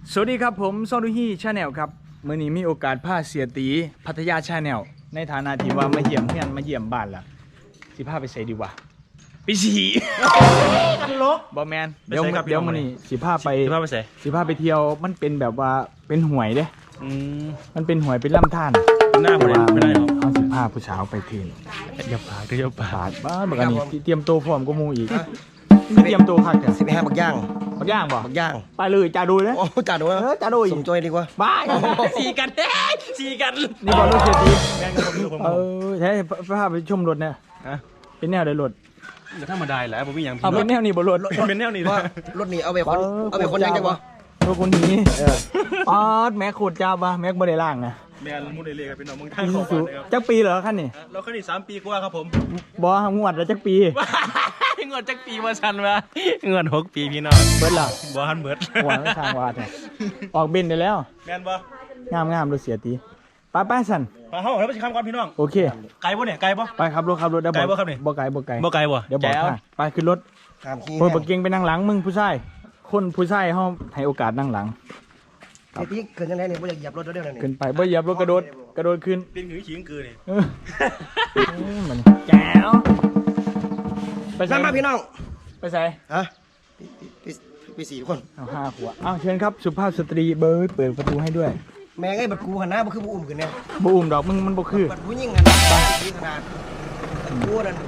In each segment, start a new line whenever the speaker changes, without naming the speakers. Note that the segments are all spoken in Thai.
สวัสดีครับผมซอดูฮีชาแนลครับเมื่อนี้มีโอกาสพาเสียตีพัทยาชาแนลในฐานะที่ว่ามาเยี่ยมเพื่อนมาเยี่ยมบ้านล่ะสิพาไปใส่ดีวะไปฉี่กันลกบอแมนเดี๋ยวมื่อนี้สิพาไปเที่ยวมันเป็นแบบว่าเป็นหวยเด้มันเป็นหวยเป็นล่ำท่าน
หน้าไม่ได้หรอก
เขาสิพาผู้สาวไปเทน
อย่าปากก็อย่าปาก
บ้าแบบนี้เตรียมตัวพร้อมก็มูอีกไม่เตรียมตัวคักกัน
15บักย่าง
บ่
บักย่าง
ไปเลยจ่าดูเลย
จ่าดู
จ่าดู
สมจอยดีกว่า
บ้า
สีกัน
นี่บอลรถเสียตีใช่พาไปชมรถเนี่ยเป็นแนวใดรถ
ธรรมดาแหละผมมีอย่าง
เป็นแนวนี้บนรถ
เป็นแนวนี้
รถนี้เอาไปคนยังจังวะ
รถคนนี้ป๊อดแม็กโคตรจ้าป่ะแม็กบริล่างนะ
แมนมุดเลยครับพี่น้องมึงท่านขอฟังนะครับ
จักปีเหรอขั้นนี่
เราขั้นนี่3 ปีกว่าครับผม
บองวดแล้วจักปี
งวดจักปีมาชันวะเงิน6 ปีพี่น้อง
เบิร์ดหรอ
บ่ฮันเบิร์ด
หัวไม่ทางวาดเนี่ยออกเบนได้แล้ว
แมนบ่
งามรถเสียตีป้าสัน
มาเข้าแล้วไปคำก่อนพี่น้อง
โอเค
ไกลป่ะเนี่ยไกลป่ะ
ไปครับรถได้
ไกลป่ะครับเนี่ย
บ่ไกลเดี๋ยวบอกไปขึ้นรถเปิดเก่งไปนั่งหลังมึงผู้ชายคนผู้ชายเขาให้โอกาสนั่งหลัง
ไอ้ที่เกินยังไงเนี่ยไม่อยากเหยียบรถเดี๋ยวนี้
ขึ้นไปบ่เหยียบรถกระโดดขึ้น
เป็นหือขิงกือนี่
มันแจ๋ว
ไปใส่มาพี่น้อง
ไปใส่
ฮะไป4 คน
เอา5 ขวบเชิญครับสุภาพสตรีเบิร์ดเปิดประตูให้ด้วย
แม่ไอ้บัดกูหันหน้าบ่คือบ่อุ้มขึ้นเนี่ย
บ่อุ้มดอกมึงมันบ่คือ
บัดผู้หญิงกันที่ขนาดกูนั่น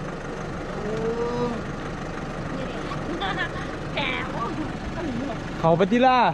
เขาปฏิล่า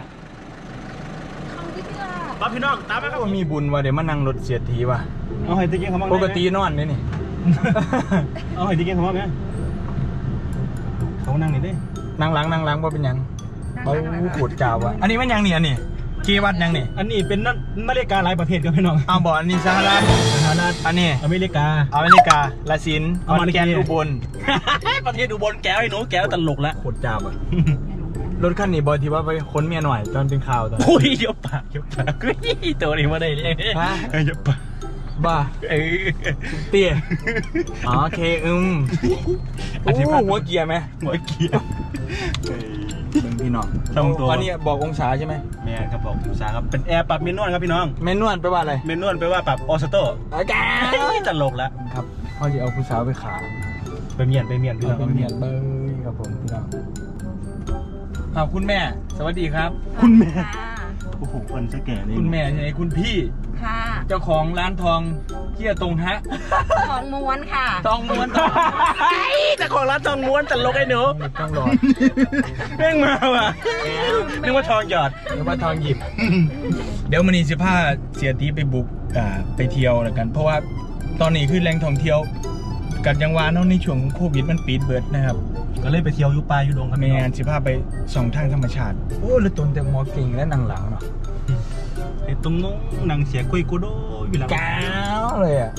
ปั๊บพี่น้องตามไหมครับ
มีบุญว่ะเดี๋ยวมานั่งรถเสียทีว่ะ
เอาให้ตะเกียงเขาบ้าง
ปกตินอนนี่
เอาให้ตะเกียงเขาบ้างไหมเขานั่งนี่ดิ
นั่งหลังว่าเป็นยังเขาขูดกาวว่ะอันนี้มันยังนี่กี่วัดยังนี่
อันนี้เป็นนาฬิกาหลายประเภทครับพี่น้อง
เอาบอกอันนี้สหรัฐอันนี้
อเมริกา
ลาซินขอนแก่นอุบล
ประเทศอุบลแก้วไอ้หนูแก้วตลกแล้ว
ขูดกาวว่ะรถคันนี้บอยที่ว่าไปค้นเมียหน่อยตอนเป็นข่าวตอน
โอ้ยยกปากตัวนี้มาได้เลย
ฮะ
ยกปาก
บ้าเตี้ยโอเคโอ้หัวเกียร์ไหม
หัวเกียร์
พี่น้องอันนี้บอกองศาใช่ไหม
แม่ครับบอกองศาครับเป็นแอร์ปรับเมนวลครับพี่น้อง
เมนวลแปลว่าอะไร
เมนวลแปลว่าปรับออสโต้ตลกแล้ว
ครับเขาจะเอาผู้สาวไปขา
ไปเมียนพี่น้อง
ไปเมียนเบอร์ครับผมพี่น้องคุณแม่สวัสดีครับ
คุณแม่โอ้โหคนจะแก่เลย
คุณแม่ใช่ไหมคุณพี่
ค่ะ
เจ้าของร้านทองเที่ยตรงฮะ
ทองม้วนค่ะ
ทองม้วน
เจ้าของร้านทองม้วนตลกไอ้หนู
ต้องรอ
เร่งมาว่ะนึกว่าทองหยอด
นึกว่าทองหยิบเดี๋ยวมันนี่15เสียตีไปบุกไปเที่ยวแล้วกันเพราะว่าตอนนี้คือแหล่งท่องเที่ยวกันยังวานในช่วงโควิดมันปิดเบิดนะครับ
ก็เลยไปเที่ยวยุป่ายุดงครับ
แม่15ไป2ทางธรรมชาติโอ้แล้วต้นแต่หมอเก่งและนางหลังเนาะ
ไอ้ตรงน้องนางเสียกุยกูโดอยู่แล้ว
แก้วเลยอ่ะ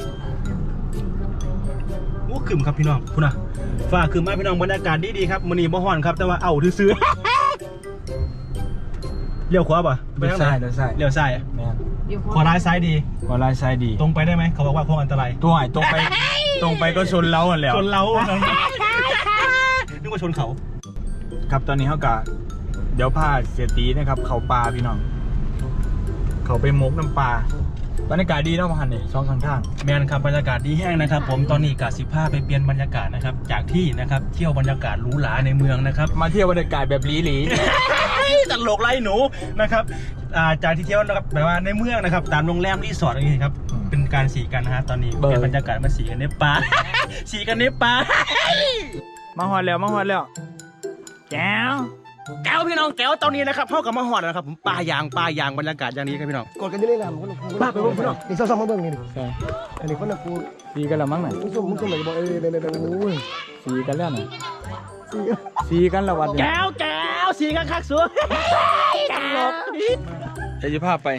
โอ้ขึ้นครับพี่น้องคุณน่ะฝ้าขึ้นมาพี่น้องบรรยากาศดีครับมื้อนี้บ่ฮ้อนครับแต่ว่าเอาซื้อเลี้ยวขวาป่ะ
เลี้ยวซ้าย
เลี้ยวซ้าย
แม่
ขวาร้ายซ้ายดี
ต
รงไปได้ไหมเขาบอกว่าโค้งอันตราย
ตรงไปก็ชนเล้ากันแล้ว
ชนเล้านึกว่าชนเขา
ครับตอนนี้เขากะเดี๋ยวพาเสียตีนะครับเขาปลาพี่น้องเขาไปมกน้ำปลาบรรยากาศดีเนาะมาหันนี่2 ข้าง
แมนครับบรรยากาศดีแห้งนะครับผมตอนนี้กะ15ไปเปลี่ยนบรรยากาศนะครับจากที่นะครับเที่ยวบรรยากาศหรูหราในเมืองนะครับ
มาเที่ยวบรรยากาศแบบหลี
ตลกไรหนูนะครับจากที่เที่ยวนะครับแบบว่าในเมืองนะครับตามโรงแรมรีสอร์ทอะไรอย่างนี้ครับเป็นการสีกันนะฮะตอนนี้เป็นบรรยากาศมาสีกันในป่าสีกันในป่า
มาหอดแล้วแก้ว
พี่น้องแก้วตอนนี้นะครับพ่อกับมาหอดนะครับผมป่ายางบรรยากาศอย่างนี้ครับพี่น้อง
กดกันอยู่ในน้ำคน
บ้าไปพี่น้อง
นี่ซ้อมมาเบิ่งนี่อันนี้คนละกู
สีกันแล้วมั้งไหน
มึงส้มเลยบอก
สีกันแล้วไหนสีกันแล้ววัน
แก้วสีกันคักสัวตลก
เดี๋ยวพาไป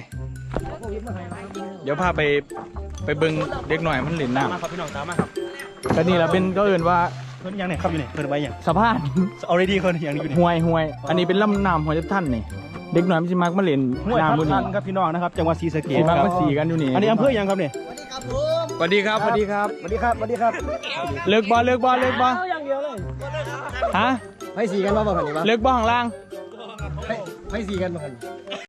เบิ่งเด็กหน่อยมันหลินน้ำ
มาครับพี่น้องตามมาครับ
แต่นี่เราเป็นก็เอื่นว่า
เพิ่นยังเนี่ยครับอยู่เนี่ยเพิ่นไว้ยัง
สะพาน
already คนอย่างนี้อยู่
เนี่ยห่วยอันนี้เป็นลำน้ำหัวจะท่านนี่เด็กหน่อยมันจะมักมาเล่น
น้ำบุญนี่ครับพี่น้องนะครับจังหวัดศรีสะเกษ
มักมาสีกันอยู่นี่
อันนี้อำเภอยังครับเนี่ย
สวัสดีครับเลิกบอล
อย่างเดียวเลย
ฮะ
ให้สีกันมาบ่คันนี้วะ
เลิกบอลข้างล่าง
ให้สีกันบ่คัน